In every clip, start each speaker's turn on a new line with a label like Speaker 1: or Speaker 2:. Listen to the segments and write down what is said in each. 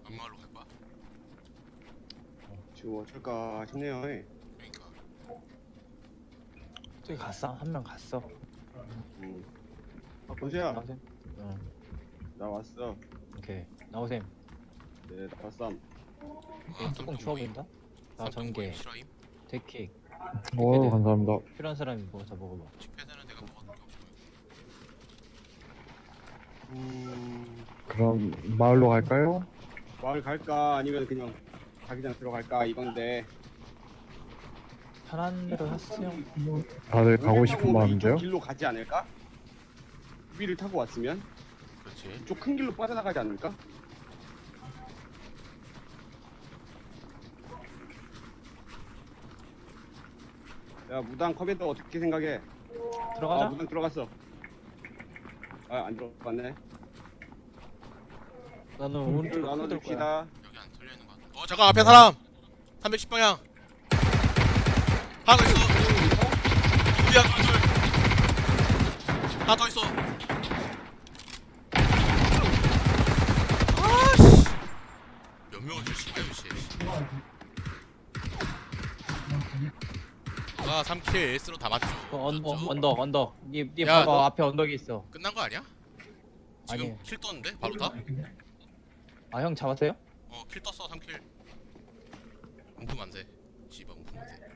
Speaker 1: 안마을로 갈 거야?
Speaker 2: 지금 어쩔까 싶네요.
Speaker 1: 그러니까.
Speaker 3: 저기 갔어? 한 명 갔어.
Speaker 2: 보세요.
Speaker 3: 나오셈. 응.
Speaker 2: 나 왔어.
Speaker 3: 오케이. 나오셈.
Speaker 2: 네, 나왔어.
Speaker 3: 여기 뚜껑 추워 보인다? 나 전개.
Speaker 1: 실화임?
Speaker 3: 데킥.
Speaker 4: 오, 감사합니다.
Speaker 3: 필요한 사람이 뭐 다 먹어봐.
Speaker 1: 칙패드는 내가 먹었던 게 없고.
Speaker 4: 그럼 마을로 갈까요?
Speaker 2: 마을 갈까 아니면 그냥 자기장 들어갈까 이건데.
Speaker 3: 편한 대로 하세요.
Speaker 4: 다들 가고 싶은
Speaker 2: 이쪽
Speaker 4: 마음인데요?
Speaker 2: 길로 가지 않을까? 위를 타고 왔으면
Speaker 1: 그렇지.
Speaker 2: 이쪽 큰 길로 빠져나가지 않을까? 야, 무당 컵에도 어떻게 생각해?
Speaker 3: 들어가자.
Speaker 2: 무당 들어갔어. 안 들어갔네.
Speaker 3: 나는 오른쪽 들어갈 거야.
Speaker 2: 나눠줍시다.
Speaker 1: 여기 안 털려 있는 거 같아. 잠깐 앞에 사람. 310방향. 하나 더 있어. 둘이야 둘. 하나 더 있어. 아씨. 몇 명을 줄신다 씨. 아 3킬 에이스로 다 맞죠.
Speaker 3: 언덕. 니
Speaker 1: 야,
Speaker 3: 봐봐
Speaker 1: 너-
Speaker 3: 앞에 언덕이 있어.
Speaker 1: 끝난 거 아니야? 지금
Speaker 3: 아니.
Speaker 1: 킬 떴는데 바로 다?
Speaker 3: 아 형 잡았어요?
Speaker 1: 킬 떴어 3킬. 움프 만세. 씨발 움프 만세.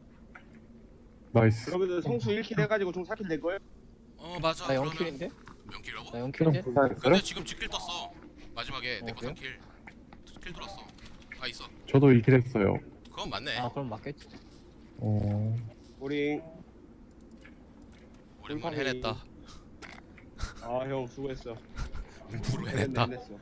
Speaker 4: 나이스.
Speaker 2: 그러면 성수 1킬 해가지고 총 4킬 될 거예요?
Speaker 1: 맞아.
Speaker 3: 나
Speaker 1: 그러면
Speaker 3: 0킬인데?
Speaker 1: 명킬이라고?
Speaker 3: 나
Speaker 4: 그럼
Speaker 3: 0킬인데?
Speaker 4: 불사했어요?
Speaker 1: 근데 지금 직킬 떴어. 마지막에 내거
Speaker 3: 그래요?
Speaker 1: 3킬. 킬 들었어. 아 있어.
Speaker 4: 저도 이킬 했어요.
Speaker 1: 그건 맞네.
Speaker 3: 아 그럼 맞겠지.
Speaker 2: 우리
Speaker 1: 오랜만에 해냈다.
Speaker 2: 형 수고했어.
Speaker 1: 움프로 해냈다.
Speaker 2: 해냈어.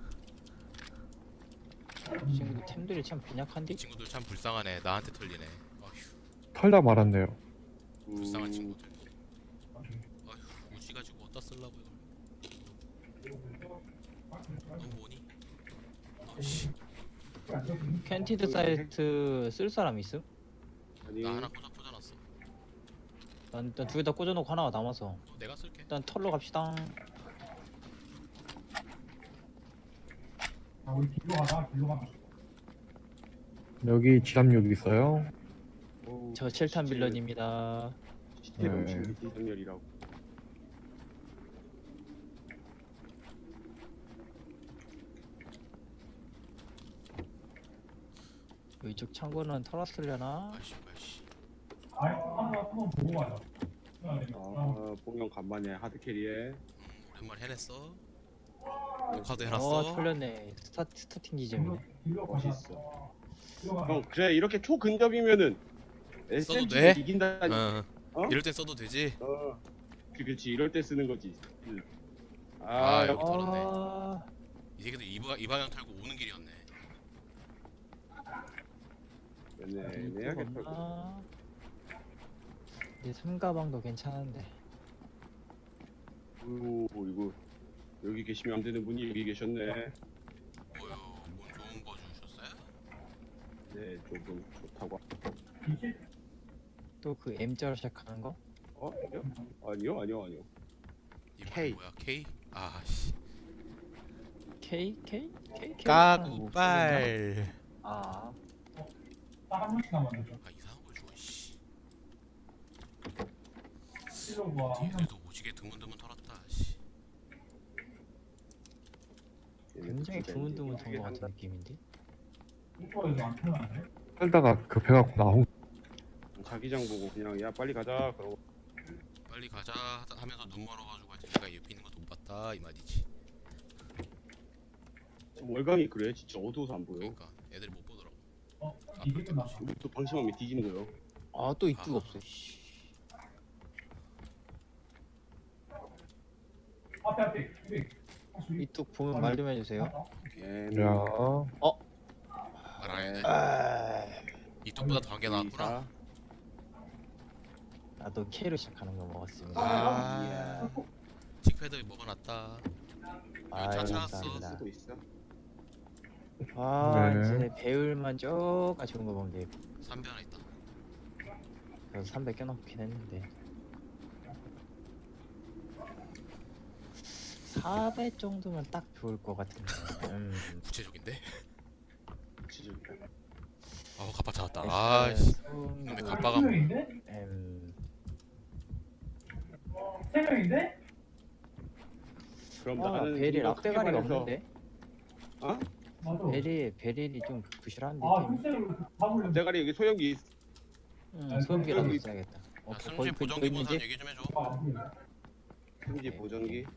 Speaker 3: 이 친구들 템들이 참
Speaker 1: 이
Speaker 3: 빈약한데?
Speaker 1: 친구들 참 불쌍하네. 나한테 털리네. 어휴,
Speaker 4: 털다 말았네요.
Speaker 1: 불쌍한 친구들. 어휴, 우지 가지고 어디다 쓰려고 이걸. 너 뭐니? 씨,
Speaker 3: 캔티드 사이트 쓸 사람 있음?
Speaker 2: 아니,
Speaker 1: 나 하나 꽂아놨어.
Speaker 3: 난 일단 두 개 다 꽂아놓고 하나가 남아서
Speaker 1: 내가 쓸게.
Speaker 3: 일단 털러 갑시다.
Speaker 4: 여기 지압력 있어요?
Speaker 3: 저 7탄 빌런입니다.
Speaker 2: 시체
Speaker 4: 네.
Speaker 2: 넘치는 기정열이라고.
Speaker 3: 이쪽 창고는 털었으려나?
Speaker 1: 아이씨, 아이씨.
Speaker 2: 봉영 간만에 하드캐리에.
Speaker 1: 오랜만에 해냈어. 녹화도 해놨어.
Speaker 3: 털렸네. 스타팅 지점이네.
Speaker 2: 멋있어. 형, 그래 이렇게 초근접이면은
Speaker 1: 써도
Speaker 2: SMG
Speaker 1: 돼?
Speaker 2: 이긴다니. 어?
Speaker 1: 이럴 땐 써도 되지.
Speaker 2: 그렇지 이럴 때 쓰는 거지.
Speaker 1: 아,
Speaker 2: 형,
Speaker 1: 여기 털었네.
Speaker 3: 아,
Speaker 1: 이 새끼들 이 방향 털고 오는 길이었네.
Speaker 2: 애매하게 털고.
Speaker 3: 없나? 내 삼가방도 괜찮은데.
Speaker 2: 이거 여기 계시면 안 되는 분이 여기 계셨네.
Speaker 1: 뭐요? 뭔 좋은 거 주셨어요?
Speaker 2: 네, 조금 좋다고.
Speaker 3: 또 그 M자로 시작하는 거?
Speaker 2: 아니요? 아니요.
Speaker 1: 이
Speaker 2: K.
Speaker 1: 뭐야? K? 아 씨.
Speaker 3: K? K? K?
Speaker 1: 까구빨.
Speaker 3: 아,
Speaker 1: 아 이상한 걸 줘. 씨. 얘들도 오지게 드문드문 털었다. 씨.
Speaker 3: 굉장히 드문드문 턴거 같은 느낌인데?
Speaker 4: 털다가 급해갖고 나온.
Speaker 2: 자기장 보고 그냥 야 빨리 가자. 그러고
Speaker 1: 빨리 가자 하면서 눈 멀어가지고 아직 내가 옆에 있는 것도 못 봤다 이 말이지.
Speaker 2: 월광이 그래 진짜 어두워서 안 보여.
Speaker 1: 그러니까 애들이 못 보더라고.
Speaker 2: 우리 또 방심하면 뒤지는 거요.
Speaker 3: 아, 또 이뚝 없어. 씨. 이뚝 보면 말 좀 해주세요.
Speaker 4: 야,
Speaker 1: 말하는데
Speaker 3: 아,
Speaker 1: 이쪽보다 더한 게 나왔구나.
Speaker 3: 나도 K로 시작하는 거 먹었습니다.
Speaker 1: 아, 칙패드 먹어놨다.
Speaker 3: 아,
Speaker 1: 차
Speaker 3: 감사합니다.
Speaker 1: 찾았어.
Speaker 2: 쓰고 있어.
Speaker 3: 아,
Speaker 4: 네.
Speaker 3: 이제 배율만 쪼까 좋은 거 먹으면 돼.
Speaker 1: 3배 하나 있다.
Speaker 3: 그래서 300 껴놓긴 했는데 400 정도면 딱 좋을 것 같은데.
Speaker 1: 구체적인데?
Speaker 2: 지적이다.
Speaker 1: 갑바 찾았다. 아이씨. 근데 갑바가 뭐.
Speaker 2: 그럼
Speaker 3: 아,
Speaker 2: 나는
Speaker 3: 베릴
Speaker 2: 이거
Speaker 3: 앞대가리가
Speaker 2: 크게 말해서-
Speaker 3: 없는데?
Speaker 2: 어?
Speaker 3: 베릴이 좀 부실한데?
Speaker 2: 대가리 여기 소형기 있-
Speaker 3: 소음기라도
Speaker 2: 여기-
Speaker 3: 있어야겠다.
Speaker 1: 야, 승진 보정기 본사람 얘기 좀 해줘.
Speaker 2: 승지 보정기.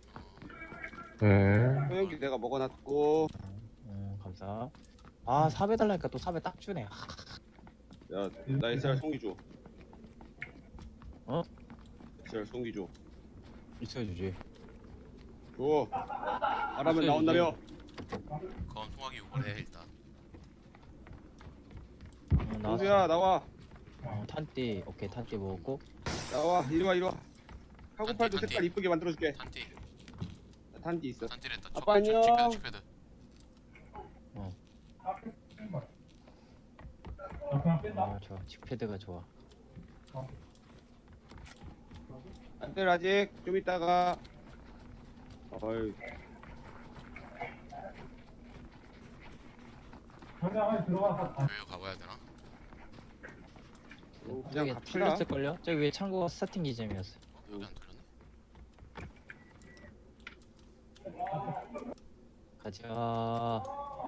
Speaker 4: 네.
Speaker 2: 소형기 내가 먹어놨고.
Speaker 3: 감사. 아, 삽 해달라니까 또 삽에 딱 주네.
Speaker 2: 야, 나 SR 송기 줘.
Speaker 3: 어?
Speaker 2: SR 송기 줘.
Speaker 3: 있어주지.
Speaker 2: 줘. 말하면 나온다며.
Speaker 1: 그건 통화기 요번에 일단.
Speaker 2: 동수야 나와.
Speaker 3: 탄띠. 오케이, 탄띠 먹었고.
Speaker 2: 나와. 이리 와 이리 와. 카고팔도
Speaker 1: 탄티.
Speaker 2: 색깔 이쁘게 만들어줄게.
Speaker 1: 탄티.
Speaker 2: 나 탄지 있어.
Speaker 1: 탄티랬다.
Speaker 2: 아빠 안녕.
Speaker 1: 칙패드.
Speaker 3: 좋아. 칙패드가 좋아.
Speaker 2: 안들 아직 좀 이따가. 어이.
Speaker 1: 교회 가봐야 되나?
Speaker 2: 그냥
Speaker 3: 저기
Speaker 2: 갑시다.
Speaker 3: 털렸을걸요? 저기 위에 창고가 스타팅 기점이었어.
Speaker 1: 여기 안 털렸네.
Speaker 3: 가자.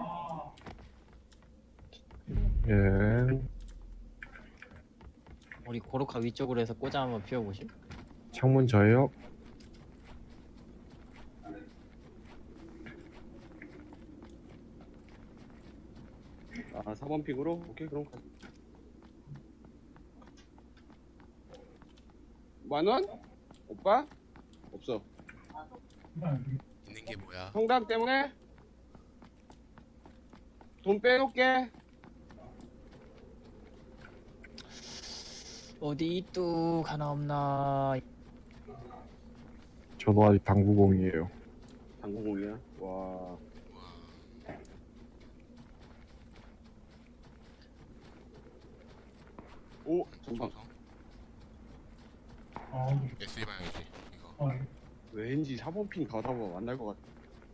Speaker 4: 예.
Speaker 3: 우리 고로카 위쪽으로 해서 꽂아 한번 피워보실?
Speaker 4: 창문 저예요.
Speaker 2: 아 4번 픽으로? 오케이 그럼 가. 만원? 오빠? 없어.
Speaker 1: 있는 게 뭐야?
Speaker 2: 성당 때문에? 돈 빼놓게.
Speaker 3: 어디 뚝 하나 없나?
Speaker 4: 저도 아직 당구공이에요.
Speaker 2: 당구공이야? 와. 오 전방.
Speaker 1: SE 방향이지. 이거.
Speaker 2: 왠지 4번 핀 가다 보면 만날 것 같아.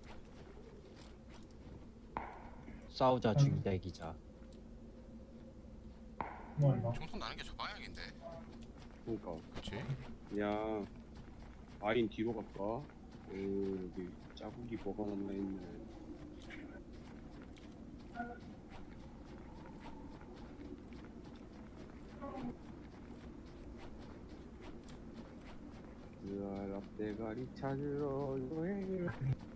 Speaker 3: 싸우자 죽이자 이기자.
Speaker 1: 총선 나는 게 저 방향인데.
Speaker 2: 그러니까
Speaker 1: 그렇지?
Speaker 2: 그냥 아인 뒤로 갈까? 오 여기 자국이 뭐가 남아있네. 으아 앞대가리 찾으러 여행을.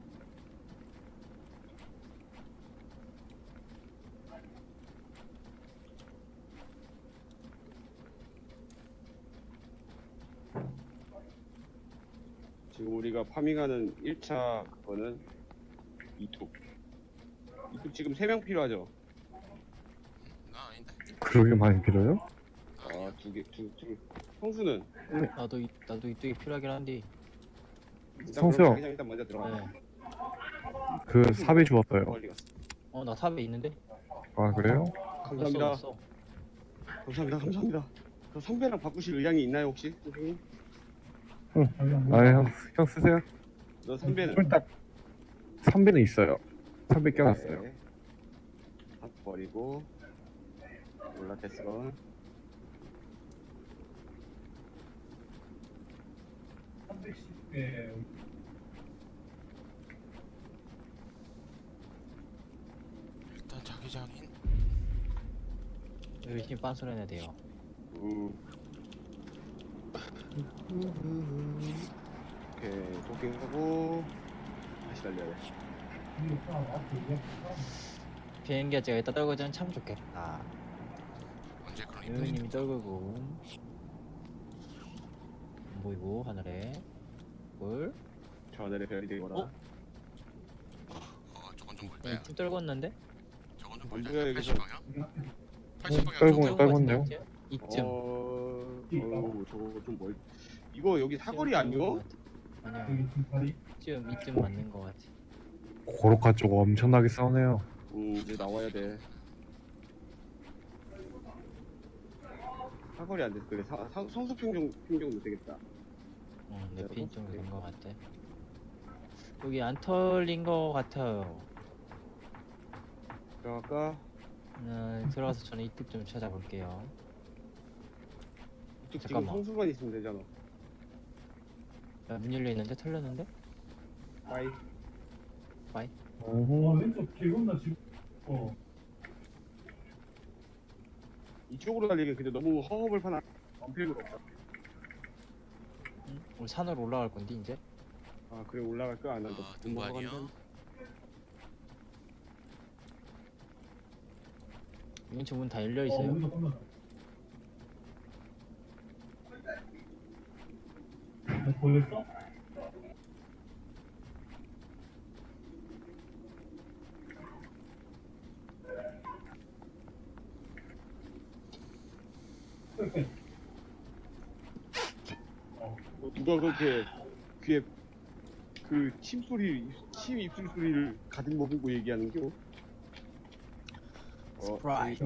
Speaker 2: 지금 우리가 파밍하는 1차 그거는 이뚝 지금 3명 필요하죠?
Speaker 1: 나 아닌데.
Speaker 4: 그러게 많이 빌어요?
Speaker 2: 아, 두 성수는?
Speaker 3: 나도 이쪽이 필요하긴 한데.
Speaker 2: 일단
Speaker 4: 성수요.
Speaker 2: 그럼 자기장 일단 먼저 들어가.
Speaker 3: 네.
Speaker 4: 그 삽이 좋았어요.
Speaker 2: 멀리 갔어.
Speaker 3: 나 삽에 있는데.
Speaker 4: 아 그래요?
Speaker 2: 감사합니다.
Speaker 3: 없어.
Speaker 2: 감사합니다. 그 선배랑 바꾸실 의향이 있나요 혹시? 선생님?
Speaker 4: 형 쓰세요.
Speaker 2: 너 선배는?
Speaker 4: 딱 선배는 있어요. 선배 껴놨어요.
Speaker 2: 네. 다 버리고 몰라 됐어.
Speaker 1: 일단 자기장인.
Speaker 3: 열심히 빤소리 해야 돼요.
Speaker 2: 오케이 도킹하고 다시 달려야 돼.
Speaker 3: 비행기가 제가 이따 떨궈지면 참 좋겠다.
Speaker 1: 언제 그런 이쁜
Speaker 3: 유님이 떨구고 안 보이고 하늘에 물.
Speaker 2: 저 하늘에 별이 되거라.
Speaker 1: 저건 좀 멀다.
Speaker 3: 좀 떨궜는데?
Speaker 1: 저건 좀
Speaker 2: 안
Speaker 1: 멀다.
Speaker 2: 보여,
Speaker 1: 80
Speaker 2: 여기서.
Speaker 1: 방향? 80 방향.
Speaker 4: 떨고
Speaker 1: 좀
Speaker 4: 떨궜네요.
Speaker 3: 이쯤.
Speaker 2: 저거 좀 멀. 이거 여기 사거리 아니요?
Speaker 3: 아니야. 이쯤 맞는 거 같아.
Speaker 4: 고로카 쪽 엄청나게 싸우네요.
Speaker 2: 이제 나와야 돼. 사거리 안 돼. 그래 성수 평정 되겠다.
Speaker 3: 내핀 정도 된 거 같아. 여기 안 털린 거 같아요.
Speaker 2: 들어갈까?
Speaker 3: 들어가서 저는 이뚝 좀 찾아볼게요.
Speaker 2: 이쪽 지금
Speaker 3: 잠깐만.
Speaker 2: 성수만 있으면 되잖아.
Speaker 3: 야, 문 열려 있는데 털렸는데?
Speaker 2: 빠이.
Speaker 4: 어허.
Speaker 5: 왼쪽 개건나 지금.
Speaker 2: 이쪽으로 달리기 근데 너무 허허벌판한 원필구로 없다.
Speaker 3: 응? 우리 산으로 올라갈 건데 이제.
Speaker 2: 아 그래 올라갈 거야 안 한다.
Speaker 1: 등반이요?
Speaker 3: 왼쪽 문 다 열려 있어요.
Speaker 5: 우리도 끝났다. 걸렸어?
Speaker 2: 누가 그렇게 귀에 그 침 입술 소리를 가득 머금고 얘기하는겨?
Speaker 3: 스프라이트.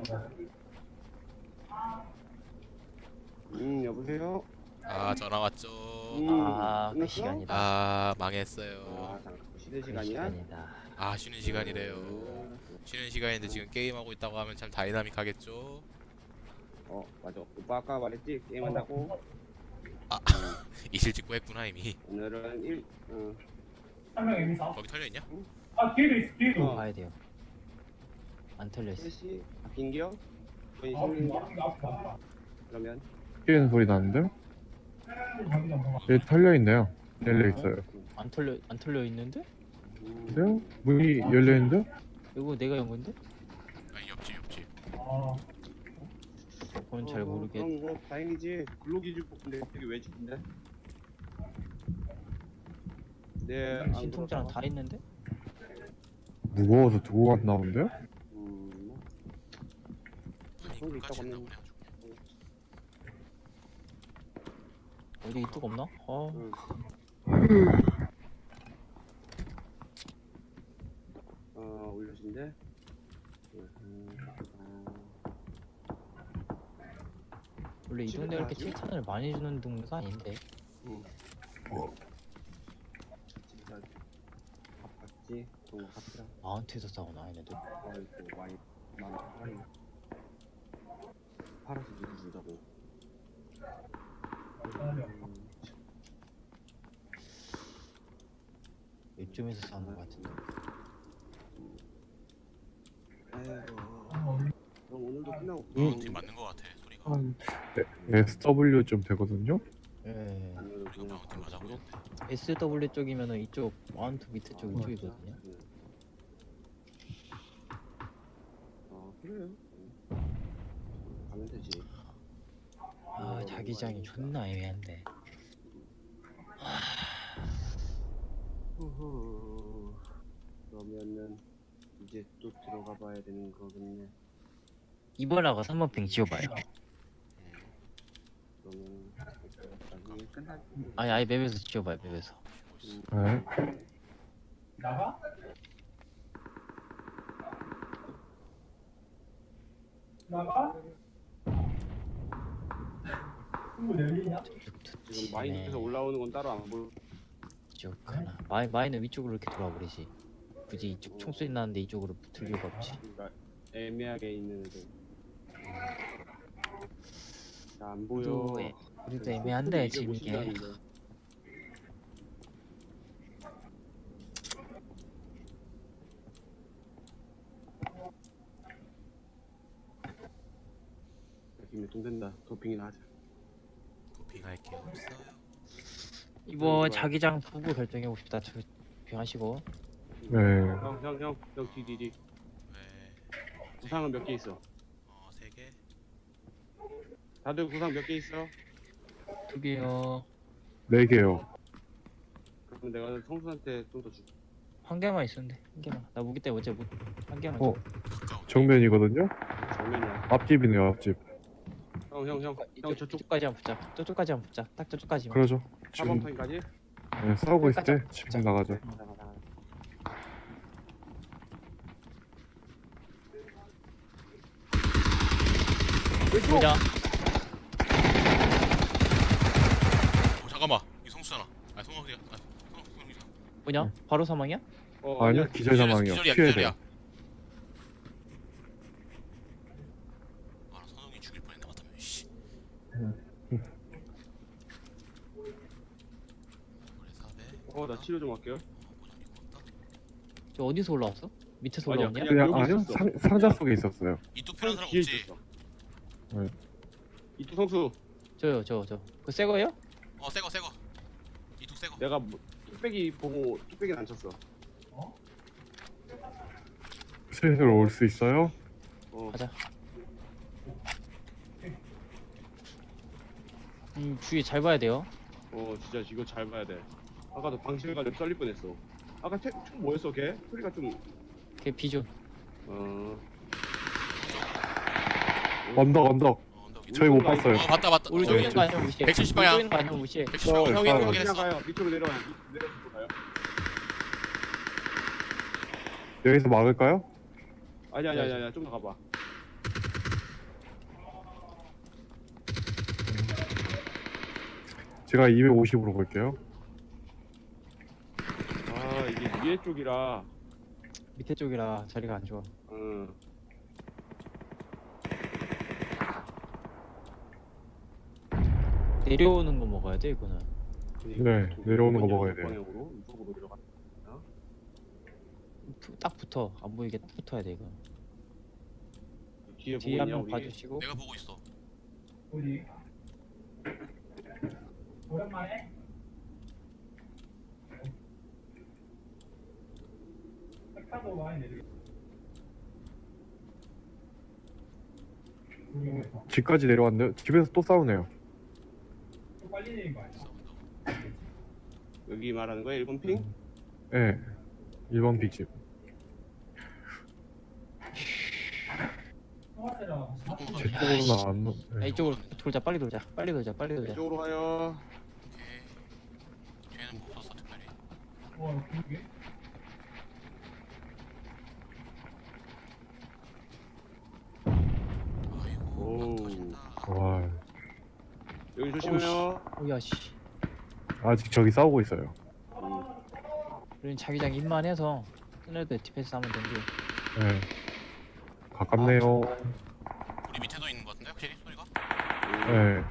Speaker 2: 여보세요?
Speaker 1: 아 전화 왔죠.
Speaker 3: 아, 그
Speaker 2: 끝났어?
Speaker 3: 시간이다.
Speaker 1: 아 망했어요.
Speaker 2: 잠깐 쉬는
Speaker 3: 그
Speaker 2: 시간이야?
Speaker 3: 시간이다.
Speaker 1: 아 쉬는 시간이래요. 쉬는 시간인데 지금 게임하고 있다고 하면 참 다이나믹하겠죠.
Speaker 2: 맞아. 오빠 아까 말했지 게임한다고.
Speaker 1: 이실 직구 했구나 이미.
Speaker 2: 오늘은
Speaker 5: 한 명 이미 사.
Speaker 1: 거기 털려있냐?
Speaker 5: 아 뒤에도 있어. 뒤에도.
Speaker 3: 봐야 돼요. 안 털려 있어.
Speaker 2: 3시 바뀐겨? 거의
Speaker 5: 아,
Speaker 2: 생긴겨?
Speaker 5: 앞에.
Speaker 2: 그러면
Speaker 4: 뛰는 소리 나는데? 여기 털려있네요. 열려있어요.
Speaker 3: 안 털려 있는데?
Speaker 4: 근데요? 문이 열려있는데?
Speaker 3: 이거 내가 연 건데?
Speaker 1: 아니 옆집.
Speaker 5: 아,
Speaker 3: 그건 잘 모르겠.
Speaker 2: 그럼 뭐 다행이지. 근로기준 뽑는데 갑자기 왜 집인데? 네. 안
Speaker 3: 신통자랑
Speaker 2: 그럴까?
Speaker 3: 다 있는데?
Speaker 4: 무거워서 두고 갔나 본데요?
Speaker 2: 뭐.
Speaker 1: 아니
Speaker 2: 그런 게
Speaker 1: 끝까지
Speaker 2: 있다고
Speaker 1: 했나
Speaker 2: 하면.
Speaker 1: 보네.
Speaker 3: 어디 이뚝 없나?
Speaker 2: 응. 올려준대.
Speaker 3: 원래 이
Speaker 2: 집에
Speaker 3: 동네 이렇게
Speaker 2: 가야지.
Speaker 3: 칭찬을 많이 주는 동네가 아닌데.
Speaker 2: 진짜 밥 봤지? 동호 카피랑.
Speaker 3: 마운트에서 싸우나 얘네들?
Speaker 2: 아이고 많이 팔았네. 팔아서 누구 준다고.
Speaker 3: 이쯤에서 싸우는 것 같은데.
Speaker 2: 아이고. 그럼 오늘도 끝나고.
Speaker 1: 지금 맞는 거 같아 소리가.
Speaker 4: 한 SW쯤 되거든요?
Speaker 3: 예.
Speaker 2: 오늘도
Speaker 1: 우리가
Speaker 2: 그냥
Speaker 1: 방금 맞아 보였는데.
Speaker 3: SW 쪽이면은 이쪽 마운트 밑에 쪽 이쪽이거든요.
Speaker 2: 그래요. 가면 되지.
Speaker 3: 아 자기장이 존나 애매한데.
Speaker 2: 후후. 그러면은 이제 또 들어가 봐야 되는 거겠네.
Speaker 3: 이번하고 3번 핑 지워봐요.
Speaker 2: 그러면 나중에 끝날
Speaker 3: 아니 아예 맵에서 지워봐요 맵에서.
Speaker 4: 네.
Speaker 5: 나가? 나가? 친구 내리냐?
Speaker 2: 지금 마인드에서 올라오는 건 따로 안 보여.
Speaker 3: 이쪽 하나. 마이는 위쪽으로 이렇게 돌아버리지. 굳이 이쪽 총소리 나는데 이쪽으로 붙을 이유가 없지.
Speaker 2: 그러니까 애매하게 있는 애들. 안 보여.
Speaker 3: 우리도 애매한데
Speaker 2: 이게
Speaker 3: 지금 이게.
Speaker 2: 못신다는데. 김에 돈 된다. 도핑이나 하자.
Speaker 1: 도핑할 게 없어요.
Speaker 3: 이번 자기장 보고 결정해 봅시다. 조용하시고.
Speaker 4: 네.
Speaker 2: 형 뒤.
Speaker 1: 왜?
Speaker 2: 구상은 몇 개 있어?
Speaker 1: 3개.
Speaker 2: 다들 구상 몇 개 있어?
Speaker 3: 2개요.
Speaker 4: 4개요.
Speaker 2: 그럼 내가 성수한테 좀 더 줄게.
Speaker 3: 한 개만 있었는데 한 개만. 나 무기 때문에 어제 한 개만.
Speaker 4: 어.
Speaker 1: 진짜 없네.
Speaker 4: 정면이거든요?
Speaker 2: 정면이야.
Speaker 4: 앞집이네요, 앞집.
Speaker 2: 형 저쪽
Speaker 3: 저쪽까지만 붙자. 저쪽까지만 붙자. 딱 저쪽까지만.
Speaker 4: 그러죠. 지금
Speaker 2: 4번판까지?
Speaker 4: 네, 싸우고 있을 때 지금 나가죠.
Speaker 2: 나가.
Speaker 3: 보자.
Speaker 1: 잠깐만 이 성수잖아. 아 성수야. 성수야.
Speaker 3: 뭐냐? 바로 사망이야?
Speaker 4: 아니요, 기절 사망이요.
Speaker 1: 기절이야
Speaker 4: 피해야
Speaker 1: 기절이야.
Speaker 4: 돼요.
Speaker 2: 나 치료 좀 할게요.
Speaker 3: 저 어디서 올라왔어? 밑에서
Speaker 2: 아니야,
Speaker 3: 올라왔냐?
Speaker 2: 그냥
Speaker 4: 그냥
Speaker 2: 여기
Speaker 4: 아니요
Speaker 2: 있었어.
Speaker 4: 상자 속에 있었어요.
Speaker 1: 이뚝 필요한 사람
Speaker 2: 뒤에
Speaker 1: 없지?
Speaker 2: 있었어.
Speaker 4: 네.
Speaker 2: 이투 성수,
Speaker 3: 저요 저. 그거 새 거예요?
Speaker 1: 새거 이뚝 새거.
Speaker 2: 내가 뚝배기 보고 뚝배기는 안 쳤어.
Speaker 4: 슬슬 올 수 있어요?
Speaker 3: 가자. 주위 잘 봐야 돼요.
Speaker 2: 진짜 이거 잘 봐야 돼. 아까도 방심해 가지고 썰릴 뻔했어. 아까 총 뭐였어 걔? 소리가 좀
Speaker 3: 걔 비존.
Speaker 4: 언덕
Speaker 1: 언덕 위에.
Speaker 4: 저희 못 봤어요.
Speaker 1: 봤다
Speaker 3: 우리
Speaker 1: 저기,
Speaker 3: 쪽에 있는 거 아니면 무시해.
Speaker 1: 170
Speaker 3: 우리
Speaker 1: 방향.
Speaker 3: 쪽에 있는 거 아니면 무시해.
Speaker 1: 170방 형이
Speaker 4: 아,
Speaker 2: 그냥
Speaker 1: 확인했어.
Speaker 2: 가요. 밑으로 내려가요. 내려서 가요.
Speaker 4: 여기서 막을까요?
Speaker 2: 아니야. 좀 더 가봐.
Speaker 4: 제가 250으로 볼게요.
Speaker 2: 이게 위에 쪽이라.
Speaker 3: 밑에 쪽이라 자리가 안 좋아. 내려오는 거 먹어야 돼 이거는.
Speaker 4: 네, 내려오는 거 먹어야 돼요.
Speaker 2: 방향으로 이쪽으로 내려가.
Speaker 3: 딱 붙어. 안 보이게 딱 붙어야 돼 이거.
Speaker 2: 뒤에
Speaker 3: 뒤에
Speaker 2: 보이냐
Speaker 3: 한번
Speaker 2: 우리?
Speaker 3: 봐주시고.
Speaker 1: 내가 보고 있어.
Speaker 5: 어디? 오랜만에? 색깔도 많이 내리겠다.
Speaker 4: 집까지 내려왔는데 집에서 또 싸우네요.
Speaker 5: 또 빨리 내린 거 아니야?
Speaker 2: 여기 말하는 거야? 1번 핑?
Speaker 4: 네, 1번 빅집.
Speaker 5: 통화세랑
Speaker 4: 제 쪽으로는 안.
Speaker 3: 야,
Speaker 4: 네.
Speaker 3: 이쪽으로 돌자. 빨리 돌자.
Speaker 2: 이쪽으로 가요.
Speaker 1: 오케이. 걔는 못 썼어 특별히.
Speaker 5: 와 그게?
Speaker 1: 아이고.
Speaker 2: 오.
Speaker 1: 터진다.
Speaker 4: 와,
Speaker 2: 여기 조심해요.
Speaker 3: 오야 씨.
Speaker 4: 아직 저기 싸우고 있어요.
Speaker 3: 우린 자기장 입만 해서 끈애들 디펜스 하면 된대.
Speaker 4: 네, 가깝네요.
Speaker 1: 우리 밑에도 있는 것 같은데 확실히 소리가?
Speaker 4: 네,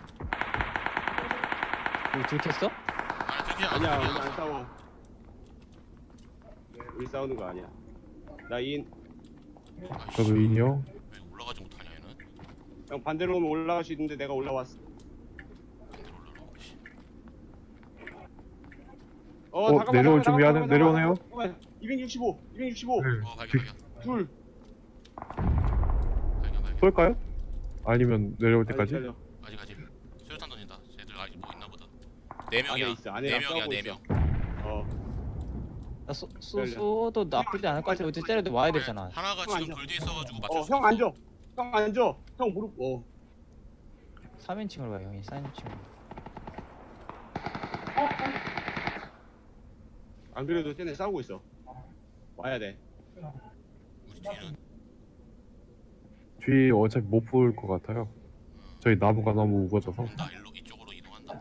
Speaker 3: 우리 들켰어?
Speaker 1: 아니 들키지 않아.
Speaker 2: 아니야, 우리
Speaker 1: 들키지
Speaker 2: 안
Speaker 1: 않았어.
Speaker 2: 싸워. 우리 싸우는 거 아니야. 나인.
Speaker 1: 아이씨,
Speaker 4: 저도 인형.
Speaker 1: 왜 올라가지 못하냐 얘는?
Speaker 2: 형 반대로 오면 올라갈 수 있는데 내가 올라왔어.
Speaker 1: 반대로 올라가고 씨.
Speaker 4: 내려올 준비하는 내려오네요.
Speaker 2: 265.
Speaker 4: 네.
Speaker 1: 발견.
Speaker 2: 둘.
Speaker 1: 발견.
Speaker 4: 쏠까요? 아니면 내려올 때까지?
Speaker 2: 기다려.
Speaker 1: 아직. 수류탄 던진다. 쟤들 아직 뭐 있나 보다. 4명이야.
Speaker 2: 안에 있어. 안에
Speaker 1: 4명이야
Speaker 2: 싸우고
Speaker 1: 4명.
Speaker 2: 있어.
Speaker 3: 쏘도 나쁘지 않을 것 같아. 어디 때려도 와야 되잖아.
Speaker 1: 하나가
Speaker 2: 형
Speaker 1: 지금
Speaker 2: 앉아.
Speaker 1: 돌 뒤에 있어가지고 맞출 수
Speaker 2: 형
Speaker 1: 없어.
Speaker 2: 앉아. 형 앉아. 형 무릎.
Speaker 3: 3인칭으로 가 형이 3인칭으로.
Speaker 2: 안 그래도 쟤네 싸우고 있어. 와야 돼.
Speaker 1: 우리 뒤는
Speaker 4: 뒤 어차피 못 볼 것 같아요. 저희 나무가 너무 우거져서
Speaker 1: 온다. 이쪽으로 이동한다.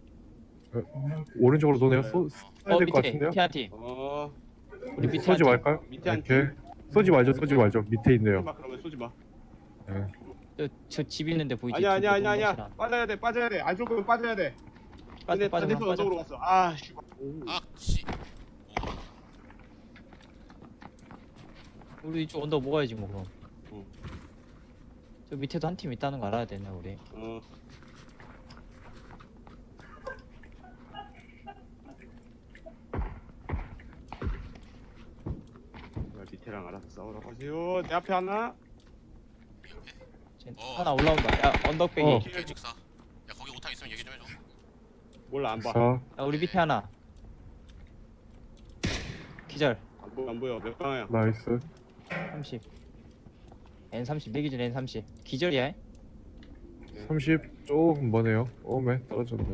Speaker 4: 오른쪽으로 도네요. 쏴야 될 것
Speaker 3: 밑에
Speaker 4: 같은데요?
Speaker 3: 한 팀. 우리 밑에
Speaker 4: 쏘지
Speaker 3: 한 팀.
Speaker 4: 말까요?
Speaker 2: 밑에 한
Speaker 4: 이렇게 쏘지 말죠. 밑에
Speaker 2: 쏘지
Speaker 4: 있네요.
Speaker 2: 마. 그러면 쏘지 마.
Speaker 3: 저 집 있는데 보이지?
Speaker 2: 아니야.
Speaker 3: 동물원이랑.
Speaker 2: 빠져야 돼. 안 쏠 거면 빠져야 돼. 근데
Speaker 3: 빠져.
Speaker 2: 반대편 언덕으로 갔어. 아, 씨.
Speaker 1: 아 씨.
Speaker 3: 우리 이쪽 언덕 먹어야지 뭐 그럼.
Speaker 2: 응.
Speaker 3: 저 밑에도 한 팀 있다는 거 알아야 되네 우리.
Speaker 2: 밑에랑 알아서 싸우라고 하세요. 내 앞에 하나.
Speaker 3: 쟤
Speaker 1: 어.
Speaker 3: 하나 올라온다. 야 언덕배기.
Speaker 4: 어.
Speaker 1: 개직사. 야 거기 오탄 있으면 얘기 좀 해줘.
Speaker 2: 몰라 안 봐.
Speaker 4: 자,
Speaker 3: 야 우리 밑에 하나. 기절.
Speaker 2: 안 보여. 몇 방이야?
Speaker 4: 나이스.
Speaker 3: 30. N30 내 기준 N30. 기절이야?
Speaker 4: 30 조금 머네요. 오메 떨어졌네.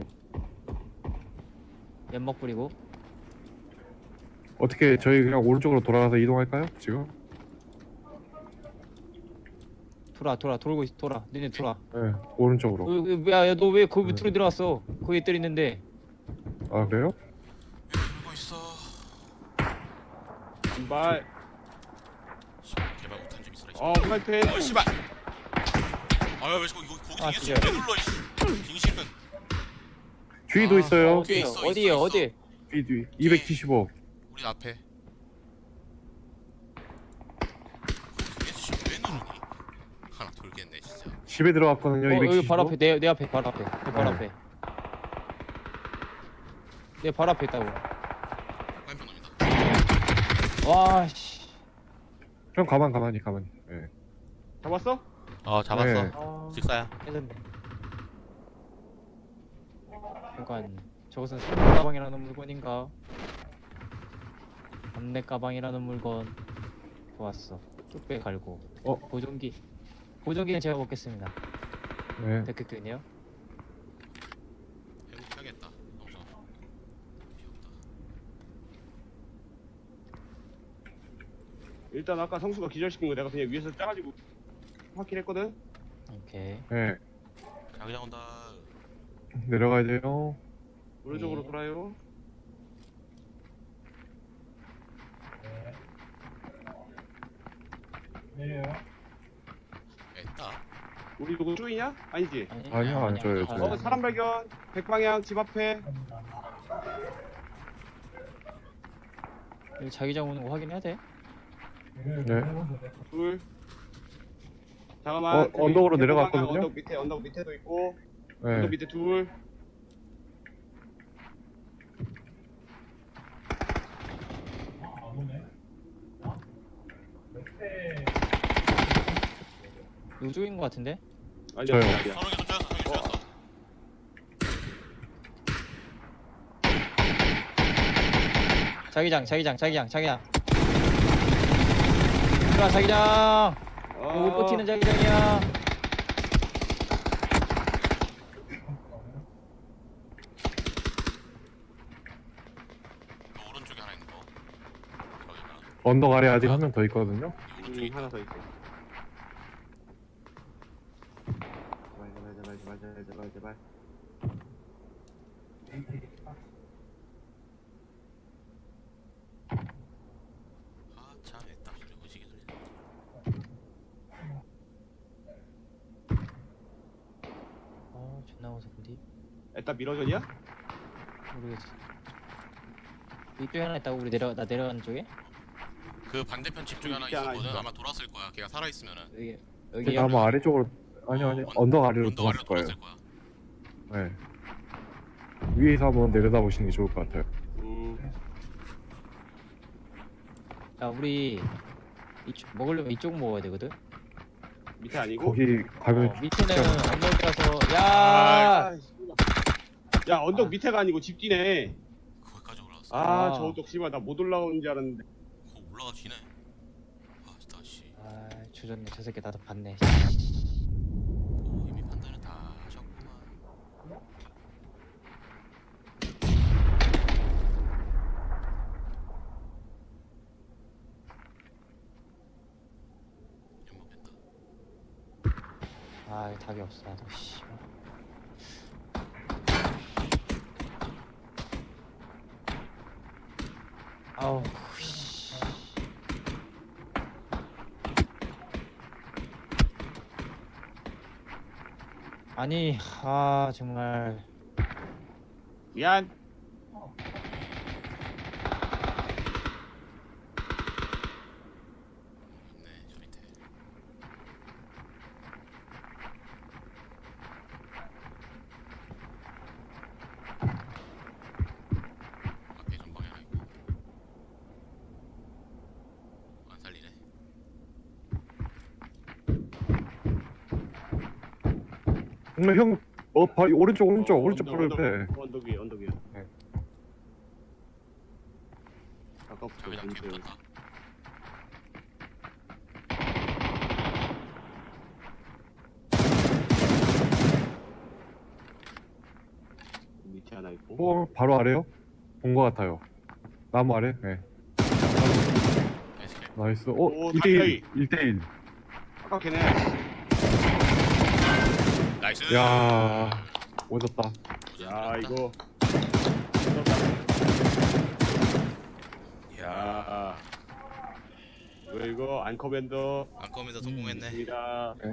Speaker 3: 연막 뿌리고.
Speaker 4: 어떻게 저희 그냥 오른쪽으로 돌아가서 이동할까요? 지금?
Speaker 3: 돌고 있어. 돌아. 너네 돌아.
Speaker 4: 네, 오른쪽으로.
Speaker 3: 야 너 왜 거기 밑으로 들어갔어? 거기 뜰 있는데.
Speaker 4: 아 그래요?
Speaker 1: 왜 들고 있어?
Speaker 2: 발.
Speaker 1: 씨발 제발 오탄 좀 있어라.
Speaker 2: 프라이팬.
Speaker 1: 씨발. 아왜 거기서
Speaker 3: 아,
Speaker 1: 이게
Speaker 3: 진짜.
Speaker 1: 왜 눌러 이 빙신은.
Speaker 4: 뒤도
Speaker 1: 아,
Speaker 4: 있어요.
Speaker 1: 뒤에 있어,
Speaker 3: 어디에요?
Speaker 1: 있어.
Speaker 3: 어디?
Speaker 4: 뒤 275.
Speaker 1: 우리 앞에. 얘 왜 누르니? 하나 돌겠네 진짜.
Speaker 4: 집에 들어갔거든요.
Speaker 3: 여기
Speaker 4: 275.
Speaker 3: 바로 앞에 내 앞에 바로 앞에 내 바로
Speaker 4: 네.
Speaker 3: 앞에 내 바로 앞에 있다고.
Speaker 1: 화염병 놈이다.
Speaker 3: 와씨.
Speaker 4: 형 가만히. 예.
Speaker 2: 잡았어?
Speaker 1: 잡았어.
Speaker 4: 네.
Speaker 1: 직사야.
Speaker 3: 깨졌네. 그러니까 저것은 선내 가방이라는 물건인가? 선내 가방이라는 물건. 좋았어. 뚝배 갈고. 보정기는 제가 먹겠습니다.
Speaker 4: 네.
Speaker 3: 데크끈이요?
Speaker 1: 해야겠다. 너무 귀엽다.
Speaker 2: 일단 아까 성수가 기절시킨 거 내가 그냥 위에서 짜가지고 확인했거든.
Speaker 3: 오케이.
Speaker 4: 네.
Speaker 1: 자기장 온다.
Speaker 4: 내려가야 돼요.
Speaker 2: 오른쪽으로
Speaker 3: 네.
Speaker 2: 돌아요.
Speaker 5: 내려요.
Speaker 1: 했다.
Speaker 2: 우리 누구 쪼이냐? 아니지.
Speaker 4: 아니요, 안 줘요, 저요.
Speaker 2: 사람 발견. 백방향 집 앞에.
Speaker 3: 여기 자기장 오는 거 확인해야 돼?
Speaker 4: 네.
Speaker 2: 둘. 잠깐만. 저기
Speaker 4: 언덕으로
Speaker 2: 백방향
Speaker 4: 내려갔거든요?
Speaker 2: 언덕 밑에도 있고.
Speaker 4: 네.
Speaker 2: 언덕 밑에 둘.
Speaker 5: 안 오네. 몇대
Speaker 3: 이쪽인 거 같은데?
Speaker 2: 아니야.
Speaker 4: 저요.
Speaker 2: 아니야.
Speaker 1: 서로에게 좀 쪼였어. 서로에게 쪼였어.
Speaker 3: 자기장. 들어와 자기장. 못 버티는 자기장이야.
Speaker 1: 너 오른쪽에 하나 있는 거. 저기가.
Speaker 4: 언덕 아래 아직 한 명 더 있거든요.
Speaker 1: 이 오른쪽에 있다.
Speaker 2: 하나 더 있어. 제발.
Speaker 1: 참 했다. 소리 오지게 들리네.
Speaker 3: 존나 무섭디.
Speaker 2: 애따 미러전이야?
Speaker 3: 모르겠어. 이쪽에 하나 있다고 우리 나 내려가는 쪽에?
Speaker 1: 그 반대편 집 쪽에 하나
Speaker 2: 밑에 하나
Speaker 1: 있었거든.
Speaker 2: 있어.
Speaker 1: 아마 돌았을 거야. 걔가 살아 있으면은.
Speaker 3: 여기
Speaker 4: 아마 아래쪽으로 아니 언덕 아래로
Speaker 1: 언덕 아래로
Speaker 4: 돌았을 거예요.
Speaker 1: 돌았을 거야.
Speaker 4: 네. 위에서 한번 내려다 보시는 게 좋을 것 같아요.
Speaker 3: 야 우리 먹으려면 이쪽 먹어야 되거든?
Speaker 2: 밑에 아니고?
Speaker 4: 거기 가면
Speaker 3: 밑에는 언덕이라서
Speaker 2: 야, 언덕 밑에가 아니고 집 뒤네.
Speaker 1: 거기까지 올라왔어.
Speaker 3: 아.
Speaker 2: 저 언덕 씨발 나 못 올라오는 줄 알았는데.
Speaker 1: 거 올라가 지네. 진짜 씨.
Speaker 3: 조졌네. 저 새끼 나도 봤네.
Speaker 1: 오, 이미 판단을 다 하셨구만. 연막 뺀다.
Speaker 3: 답이 없어 나도. 씨. 아우 씨. 아니 정말.
Speaker 2: 미안.
Speaker 1: 있네 저 밑에. 앞에 전방에 하나 있고. 안 살리네.
Speaker 4: 형 오른쪽 바로 옆에.
Speaker 2: 언덕 위야.
Speaker 4: 네.
Speaker 2: 아까부터
Speaker 1: 자기장 뒤에 붙었다.
Speaker 2: 밑에 하나 있고.
Speaker 4: 바로 아래요? 본 것 같아요. 나무 아래? 네.
Speaker 1: 나이스.
Speaker 4: 나이스.
Speaker 2: 오,
Speaker 4: 1대1. 1대1.
Speaker 2: 아까 걔네.
Speaker 1: 나이스.
Speaker 4: 야, 오졌다.
Speaker 2: 야 이거. 야. 왜 이거 안커밴더
Speaker 1: 안컴에서 성공했네.
Speaker 2: 입니다.